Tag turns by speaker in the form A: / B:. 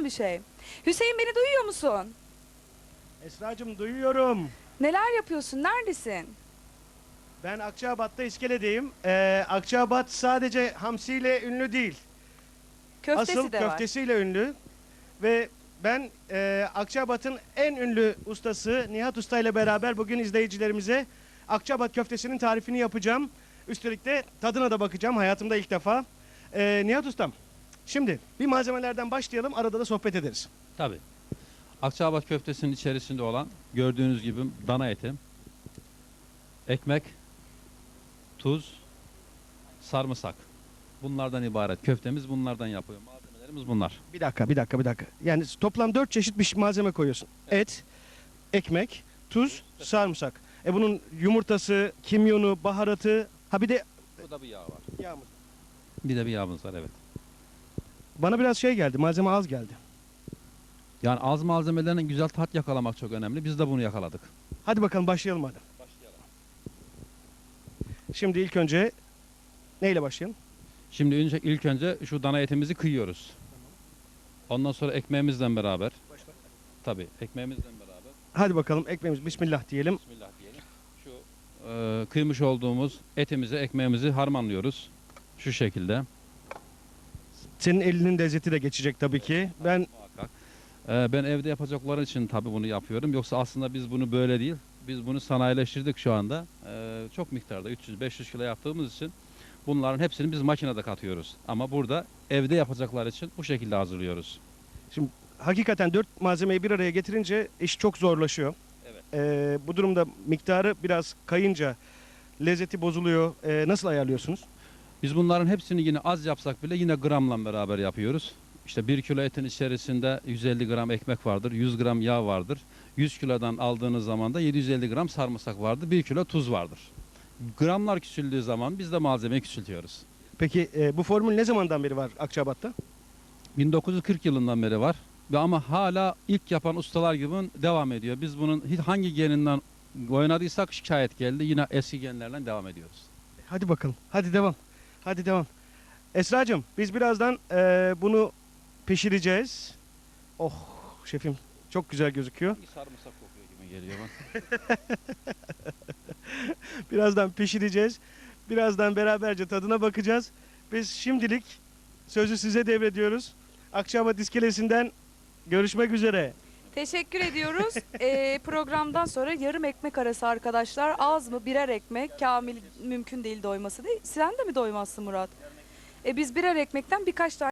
A: mı bir şey? Hüseyin, beni duyuyor musun?
B: Esracığım duyuyorum.
A: Neler yapıyorsun? Neredesin?
B: Ben Akçabat'ta iskeledeyim. Akçabat sadece hamsiyle ünlü değil.
A: Köftesi
B: Asıl
A: de var.
B: köftesiyle ünlü. Ve ben Akçabat'ın en ünlü ustası Nihat Usta ile beraber bugün izleyicilerimize Akçabat köftesinin tarifini yapacağım. Üstelik de tadına da bakacağım hayatımda ilk defa. Nihat Ustam, şimdi bir malzemelerden başlayalım, arada da sohbet ederiz.
C: Tabii. Akçaabat köftesinin içerisinde olan gördüğünüz gibi dana eti, ekmek, tuz, sarımsak. Bunlardan ibaret. Köftemiz bunlardan yapıyor. Malzemelerimiz bunlar.
B: Bir dakika. Yani toplam 4 çeşit bir malzeme koyuyorsun. Et, ekmek, tuz, sarımsak. Bunun yumurtası, kimyonu, baharatı, ha bir de
C: Burada bir yağ var.
B: yağımız.
C: Bir de bir yağımız var, evet.
B: Bana biraz şey geldi, malzeme az geldi.
C: Yani az malzemelerine güzel tat yakalamak çok önemli. Biz de bunu yakaladık.
B: Hadi bakalım başlayalım hadi.
C: Başlayalım.
B: Şimdi ilk önce neyle başlayalım?
C: Şimdi ilk önce şu dana etimizi kıyıyoruz. Ondan sonra ekmeğimizle beraber. Tabii ekmeğimizle beraber.
B: Hadi bakalım ekmeğimiz bismillah diyelim.
C: Bismillah diyelim. Şu kıymış olduğumuz etimizi, ekmeğimizi harmanlıyoruz. Şu şekilde.
B: Senin elinin lezzeti de geçecek tabii ki. Ben
C: Muhakkak. Ben evde yapacakları için tabii bunu yapıyorum. Yoksa aslında biz bunu böyle değil. Biz bunu sanayileştirdik şu anda. Çok miktarda 300-500 kilo yaptığımız için bunların hepsini biz makinede katıyoruz. Ama burada evde yapacaklar için bu şekilde hazırlıyoruz.
B: hakikaten 4 malzemeyi bir araya getirince iş çok zorlaşıyor.
C: Evet.
B: Bu durumda miktarı biraz kayınca lezzeti bozuluyor. Nasıl ayarlıyorsunuz?
C: Biz bunların hepsini yine az yapsak bile yine gramla beraber yapıyoruz. İşte 1 kilo etin içerisinde 150 gram ekmek vardır, 100 gram yağ vardır. 100 kilodan aldığınız zaman da 750 gram sarımsak vardır, 1 kilo tuz vardır. Gramlar küçüldüğü zaman biz de malzemeyi küçültüyoruz.
B: Peki bu formül ne zamandan beri var Akçabat'ta?
C: 1940 yılından beri var ve ama hala ilk yapan ustalar gibi devam ediyor. Biz bunun hangi geninden oynadıysak şikayet geldi. Yine eski genlerden devam ediyoruz.
B: Hadi bakalım. Hadi devam. Hadi devam. Esracığım biz birazdan bunu pişireceğiz. Oh şefim çok güzel gözüküyor.
C: Sarımsak kokuyor gibi geliyor bana.
B: Birazdan pişireceğiz. Birazdan beraberce tadına bakacağız. Biz şimdilik sözü size devrediyoruz. Akçabat iskelesinden görüşmek üzere.
A: Teşekkür ediyoruz. Programdan sonra yarım ekmek arası arkadaşlar. Az mı? Birer ekmek. Kamil mümkün değil doyması değil. Sen de mi doymazsın Murat? Biz birer ekmekten birkaç tane